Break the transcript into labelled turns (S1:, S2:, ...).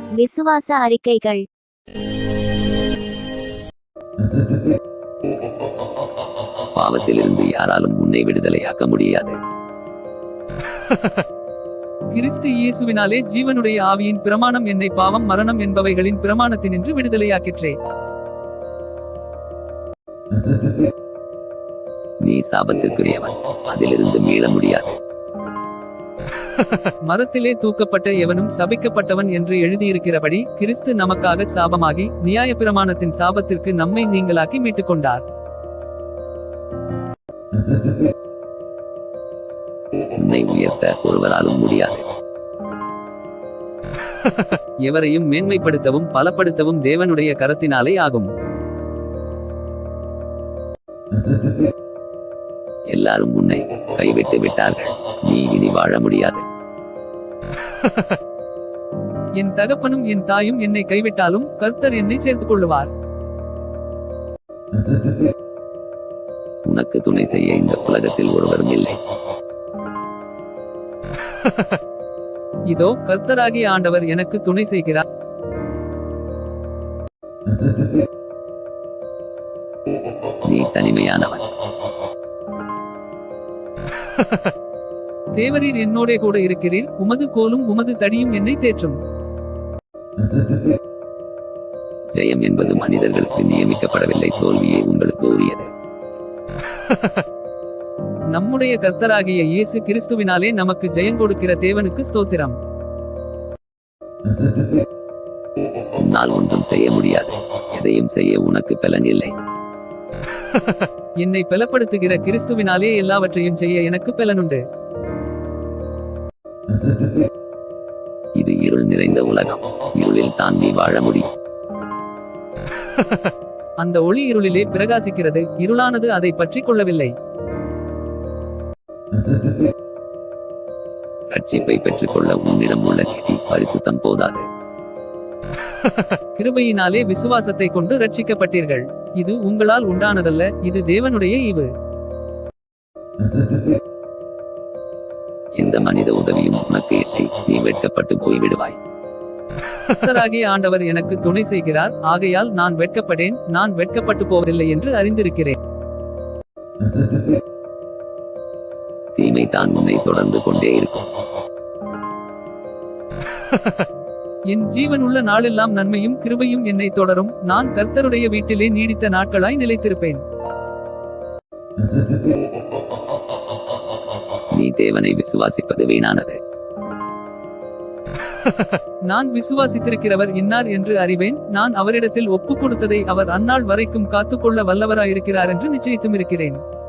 S1: விசுவாச அறிக்கைகள்.
S2: பாவத்திலிருந்து யாராலும் உன்னை விடுதலையாக்க முடியாது.
S3: கிறிஸ்து இயேசுவினாலே ஜீவனுடைய ஆவியின் பிரமாணம் என்னை பாவம் மரணம் என்பவைகளின் பிரமாணத்தினின்று விடுதலையாக்கிற்றே.
S2: நீ சாபத்திற்குரியவன், அதிலிருந்து மீள முடியாது.
S3: மரத்திலே தூக்கப்பட்ட எவனும் சபிக்கப்பட்டவன் என்று எழுதியிருக்கிறபடி கிறிஸ்து நமக்காக சாபமாகி நியாயப்பிரமாணத்தின் சாபத்திற்கு நம்மை நீங்களாக்கி மீட்டுக் கொண்டார்.
S2: உன்னை உயர்த்த ஒருவராலும் முடியாது.
S3: எவரையும் மேன்மைப்படுத்தவும் பலப்படுத்தவும் தேவனுடைய கரத்தினாலே ஆகும்.
S2: எல்லாரும் உன்னை கைவிட்டு விட்டார்கள், நீ இனி வாழ முடியாது.
S3: என் தகப்பனும் என் தாயும் என்னை கைவிட்டாலும் கர்த்தர் என்னை சேர்த்துக் கொள்ளுவார்.
S2: உனக்கு துணை செய்ய இந்த உலகத்தில் ஒருவரும் இல்லை.
S3: இதோ கர்த்தராகிய ஆண்டவர் எனக்கு துணை செய்கிறார்.
S2: நீ தனிமையானவன்.
S3: தேவரீர் என்னோடே கூட இருக்கிறீர், உமது கோலும் உமது தடியும் என்னை தேற்றும்.
S2: ஜெயம் என்பது மனிதர்களுக்கு நியமிக்கப்படவில்லை, தோல்வியே உங்களுக்கு உரியது.
S3: நம்முடைய கர்த்தராகிய இயேசு கிறிஸ்துவினாலே நமக்கு ஜெயங்கொடுக்கிற தேவனுக்கு ஸ்தோத்திரம்.
S2: உன்னால் ஒன்றும் செய்ய முடியாது, எதையும் செய்ய உனக்கு பலன் இல்லை.
S3: என்னை பலப்படுத்துகிற கிறிஸ்துவினாலே எல்லாவற்றையும் செய்ய எனக்கு பலனுண்டு.
S2: இது இருள் நிறைந்த உலகம், இருளில் தான் நீ வாழ முடியும்.
S3: அந்த ஒளி இருளிலே பிரகாசிக்கிறது, இருளானது அதை பற்றி கொள்ளவில்லை.
S2: ரட்சிப்பை பெற்றுக்கொள்ள உன்னிடம் உள்ள நீதி பரிசுத்தம் போதாது.
S3: கிருபையினாலே விசுவாசத்தை கொண்டு ரட்சிக்கப்பட்டீர்கள். இது உங்களால் உண்டானதல்ல, இது தேவனுடைய ஈவு.
S2: எந்த மனித உதவியும் உனக்கு இல்லை, நீ வெட்கப்பட்டு போய்விடுவாய்.
S3: கர்த்தராகிய ஆண்டவர் எனக்கு துணை செய்கிறார், ஆகையால் நான் வெட்கப்படேன், நான் வெட்கப்பட்டு போவதில்லை என்று அறிந்திருக்கிறேன்.
S2: தீமை தான் உன்னை தொடர்ந்து கொண்டே இருக்கும்.
S3: என் ஜீவனுள்ள நாளெல்லாம் நன்மையும் கிருபையும் என்னை தொடரும், நான் கர்த்தருடைய வீட்டிலே நீடித்த நாட்களாய் நிலைத்திருப்பேன்.
S2: நீ தேவனை விசுவாசிப்பது வீணானது.
S3: நான் விசுவாசித்திருக்கிறவர் இன்னார் என்று அறிவேன், நான் அவரிடத்தில் ஒப்புக் கொடுத்ததை அவர் அந்நாள் வரைக்கும் காத்துக்கொள்ள வல்லவராயிருக்கிறார் என்று நிச்சயித்தும் இருக்கிறேன்.